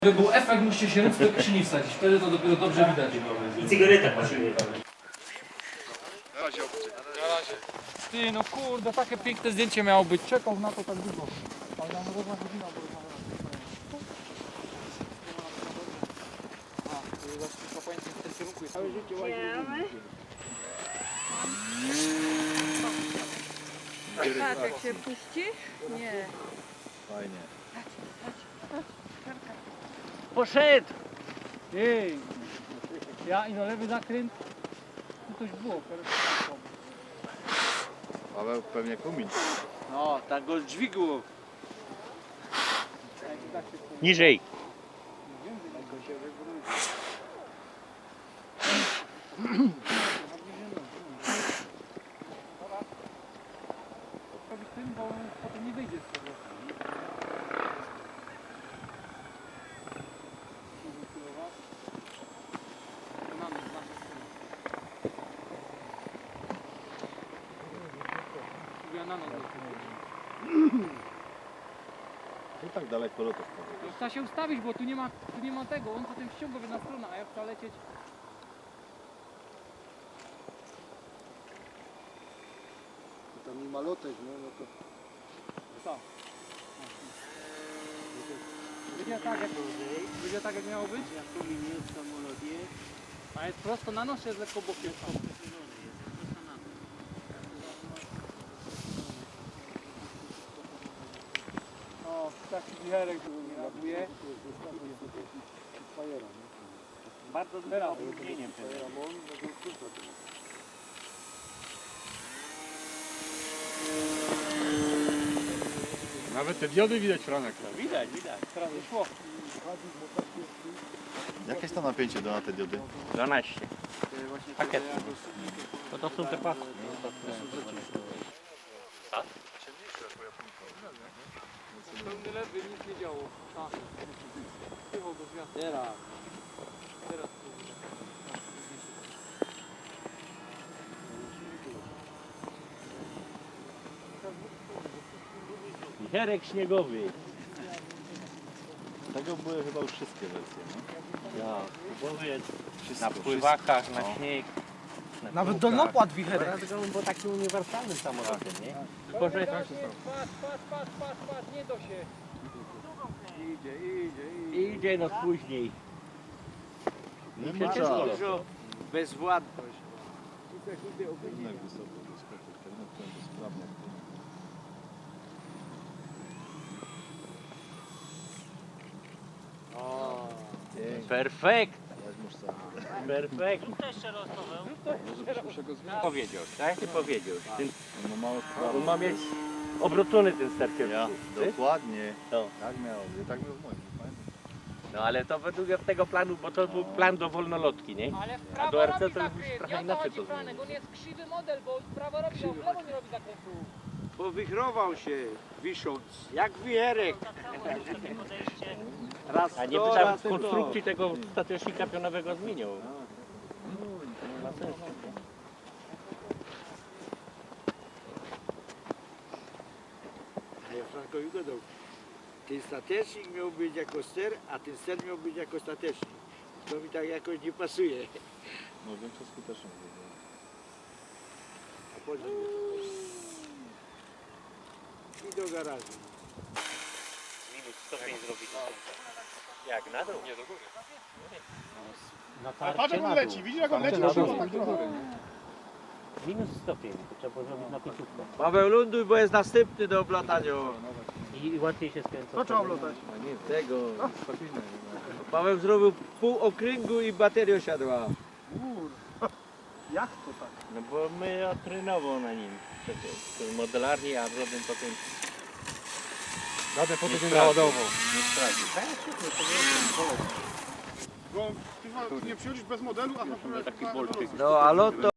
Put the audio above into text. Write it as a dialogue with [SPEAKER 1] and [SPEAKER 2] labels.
[SPEAKER 1] Żeby był efekt, musicie się ręce do kieszeni wsadzić, wtedy to dopiero dobrze widać.
[SPEAKER 2] I cygareta pasuje.
[SPEAKER 3] Na razie.
[SPEAKER 1] Ty, no kurde, takie piękne zdjęcie miało być. Czekał na to tak długo. Ale nam równa godzina, bo
[SPEAKER 4] Taczek się puści? Nie.
[SPEAKER 3] Fajnie.
[SPEAKER 1] Poszedł! Ej! Ja i na lewy zakręt. Tu coś było,
[SPEAKER 3] Paweł pewnie kumin.
[SPEAKER 5] No, tak go dźwigło.
[SPEAKER 2] Niżej.
[SPEAKER 1] Robić tym, bo potem nie wyjdzie z tego.
[SPEAKER 3] I tak daleko lotów.
[SPEAKER 1] No, trzeba się ustawić, bo tu nie ma tego, on potem ściąga w jedna strona, a ja chcę lecieć.
[SPEAKER 5] Tam nie ma lotek, no to...
[SPEAKER 1] Co? Będzie tak jak miało być? A jest prosto na nos, czy jest lekko bokiem? O, taki wicherek ładuje.
[SPEAKER 2] Bardzo dużym opóźnieniem.
[SPEAKER 3] Nawet te diody widać, Franek.
[SPEAKER 2] Widać, widać.
[SPEAKER 1] Teraz wyszło.
[SPEAKER 3] Jakie jest to napięcie na te diody?
[SPEAKER 2] 12. Pakiet. To są te pasy.
[SPEAKER 1] Pełny lewy, nic nie działo. Tak. Wpływał do gwiazd.
[SPEAKER 5] Teraz.
[SPEAKER 1] Teraz.
[SPEAKER 2] Wicherek śniegowy.
[SPEAKER 3] Tego były chyba już wszystkie wersje, no?
[SPEAKER 2] Ja, kupowiec.
[SPEAKER 3] Wszystko,
[SPEAKER 2] Na pływakach,
[SPEAKER 3] wszystko.
[SPEAKER 2] na śnieg.
[SPEAKER 1] Nawet dolnopłat wicherek.
[SPEAKER 2] Dlatego on był takim uniwersalnym samolotem, nie? Tylko, że
[SPEAKER 1] Patrz, nie do się.
[SPEAKER 2] idzie no później.
[SPEAKER 3] Nie
[SPEAKER 2] I
[SPEAKER 3] ma
[SPEAKER 2] przecież
[SPEAKER 3] czasu.
[SPEAKER 2] dużo.
[SPEAKER 5] Bezwładność.
[SPEAKER 3] Kierunek wysoko, wyskoczył. Kierunek ten bezprawny.
[SPEAKER 5] O,
[SPEAKER 2] Perfekt.
[SPEAKER 3] Weźmiesz sam.
[SPEAKER 2] Perfekt.
[SPEAKER 3] Muszę go zmienić.
[SPEAKER 2] Powiedział, tak? Ty powiedział. Ten,
[SPEAKER 3] No mało
[SPEAKER 2] on ma mieć obrócony ten sterkier.
[SPEAKER 3] Ja, dokładnie.
[SPEAKER 2] No.
[SPEAKER 3] Tak miał, tak miał w moim, nie pamiętam.
[SPEAKER 2] No ale to według tego planu, bo to był plan do wolnolotki, nie?
[SPEAKER 1] Ale w
[SPEAKER 2] A
[SPEAKER 1] prawo
[SPEAKER 2] do RC
[SPEAKER 1] robi
[SPEAKER 2] to już
[SPEAKER 1] zakręt.
[SPEAKER 2] trochę
[SPEAKER 1] Ja to
[SPEAKER 2] inaczej
[SPEAKER 1] chodzi
[SPEAKER 2] to
[SPEAKER 1] Franek, on jest krzywy model, bo w prawo robi, a w lewo nie robi zakrętu.
[SPEAKER 5] powichrował się, wisząc, jak wicherek. Raz
[SPEAKER 2] A nie
[SPEAKER 5] to,
[SPEAKER 2] by tam
[SPEAKER 5] raz to.
[SPEAKER 2] konstrukcji tego statecznika pionowego zmieniał. Nie ma sensu.
[SPEAKER 5] A ja Frankowi gadał, ten statecznik miał być jako ster, a ten ster miał być jako statecznik. To mi tak jakoś nie pasuje.
[SPEAKER 3] No większa skuteczność.
[SPEAKER 5] A potem i do garażu.
[SPEAKER 2] Minus stopień zrobić. Jak na dół? Nie, do góry. Na
[SPEAKER 6] Patrz jak on leci, widzisz jak on leci, trzyma tak do góry.
[SPEAKER 2] Minus stopień, to trzeba było zrobić na końcówkę.
[SPEAKER 5] Paweł, ląduj, bo jest następny do oblatania.
[SPEAKER 2] I łatwiej się skręca.
[SPEAKER 6] To trzeba oblotać.
[SPEAKER 3] A nie tego, spokojnie.
[SPEAKER 5] Paweł zrobił pół okręgu i bateria siadła.
[SPEAKER 6] Jak to tak?
[SPEAKER 2] No bo my trenował na nim przecież. To modelarnie, a zrobię potem
[SPEAKER 6] Radę
[SPEAKER 2] nie naładował.
[SPEAKER 3] Nie straci.
[SPEAKER 6] Bo ty nie przychodzisz bez modelu, a
[SPEAKER 2] taki bolczyk.
[SPEAKER 5] No, a loto